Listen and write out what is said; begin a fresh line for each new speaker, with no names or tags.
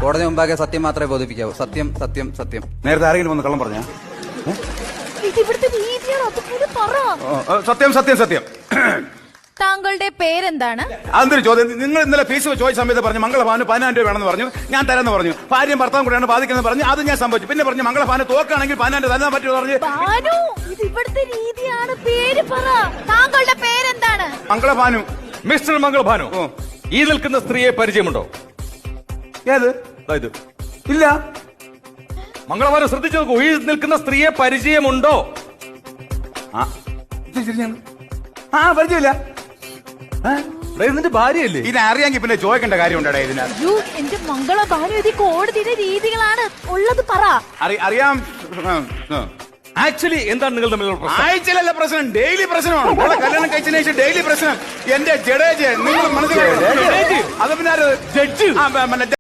കോടതി മുമ്പാകെ സത്യം മാത്രമേ ബോധിപ്പിക്കാവൂ. സത്യം സത്യം സത്യം.
നേരത്തെ ആരെങ്കിലും വന്ന് കള്ളം പറഞ്ഞ?
ഇവിടുത്തെ രീതിയാണ്, അതുപോലെ പറ.
സത്യം സത്യം സത്യം.
താങ്കളുടെ പേരെന്താണ്?
അതൊരു ചോദ്യം. നിങ്ങൾ ഇന്നലെ ഫീസ് ചോദിച്ച സമയത്ത് പറഞ്ഞു മംഗളഭാന് 10,000 രൂപ വേണമെന്ന് പറഞ്ഞു. ഞാൻ തരാന്ന് പറഞ്ഞു. ഭാര്യയും ഭർത്താവും കൂടെയാണ് ബാധിക്കുന്നത് പറഞ്ഞു. അത് ഞാൻ സംഭവിച്ചു. പിന്നെ പറഞ്ഞു മംഗളഭാന് തോക്കാണെങ്കിൽ 10,000 തരാൻ പറ്റുമോ പറഞ്ഞു.
ഇത് ഇവിടുത്തെ രീതിയാണ്. പേര് പറ. താങ്കളുടെ പേരെന്താണ്?
മംഗളഭാനു.
മിസ്റ്റർ മംഗളഭാനു, ഈ നിൽക്കുന്ന സ്ത്രീയെ പരിചയമുണ്ടോ?
ഏത്?
ഇത്
ഇല്ല.
മംഗളഭാനു ശ്രദ്ധിച്ചു നോക്കൂ. ഈ നിൽക്കുന്ന സ്ത്രീയെ പരിചയമുണ്ടോ?
പരിചയമില്ല.
ഇതിന്റെ ഭാര്യയല്ലേ?
ഇത് അറിയാമെങ്കിൽ പിന്നെ ചോദിക്കേണ്ട കാര്യമുണ്ടോ ഇതിനകത്ത്?
എന്റെ മംഗളഭാനു, ഇത് കോടതിയുടെ രീതികളാണ്. ഉള്ളത് പറ.
അറിയാം.
ആക്ച്വലി എന്താണ് നിങ്ങൾ തമ്മിലുള്ള പ്രശ്നം?
ആഴ്ചയിലല്ല പ്രശ്നം, ഡെയിലി പ്രശ്നമാണ്. നമ്മളെ കല്യാണം കഴിച്ചതിന് ശേഷം ഡെയിലി പ്രശ്നം. എന്റെ ജഡേജ് നിങ്ങൾ മനസ്സിലായോ? അത് പിന്നെ
ജഡ്ജ്